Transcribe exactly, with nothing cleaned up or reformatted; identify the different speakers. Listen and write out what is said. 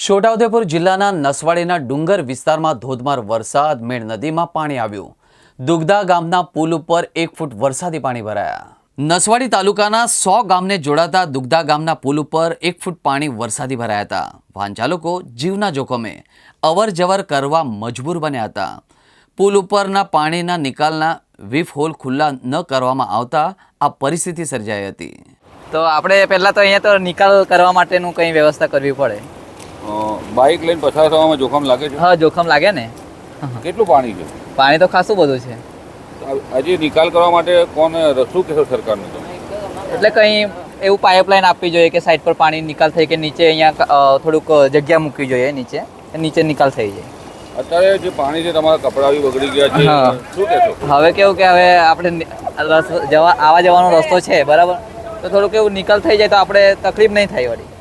Speaker 1: છોટાઉદેપુર જિલ્લાના નસવાડીના ડુંગર વિસ્તારમાં ધોધમાર વરસાદ મેળ નદીમાં પાણી આવ્યું। દુગદા ગામના પુલ ઉપર એક ફૂટ વરસાદી પાણી ભરાયા। નસવાડી તાલુકાના સો ગામને જોડાતા દુગદા ગામના પુલ ઉપર એક ફૂટ પાણી વરસાદી ભરાયા હતા। વાહન ચાલકો જીવના જોખમે અવર જવર કરવા મજબૂર બન્યા હતા। પુલ ઉપરના પાણીના નિકાલના વીફ હોલ ખુલ્લા ન કરવામાં આવતા આ પરિસ્થિતિ સર્જાઈ હતી।
Speaker 2: તો આપણે પહેલા તો અહીંયા તો નિકાલ કરવા માટેનું કંઈ વ્યવસ્થા કરવી પડે।
Speaker 3: બાઇક લઈને પસાર થવામાં જોખમ લાગે છે?
Speaker 2: હા, જોખમ લાગે ને।
Speaker 3: કેટલું પાણી છે?
Speaker 2: પાણી તો ખાસું બધું છે।
Speaker 3: હજી નિકાલ કરવા માટે કોણ શું કહેશો સરકારને? તો
Speaker 2: એટલે કંઈ એવું પાઇપલાઇન આપવી જોઈએ કે સાઈડ પર પાણી નિકાલ થઈ કે નીચે અહીંયા થોડુંક જગ્યા મૂકવી જોઈએ, નીચે નીચે નિકાલ થઈ જાય।
Speaker 3: અત્યારે જે પાણી છે તમારા કપડાં બી બગડી ગયા છે, શું કહેશો?
Speaker 2: હવે કેવું કે હવે આપણે જવા આવવા જવાનો રસ્તો છે બરાબર, તો થોડુંક એવું નિકાલ થઈ જાય તો આપણે તકલીફ નહીં થાય વળી।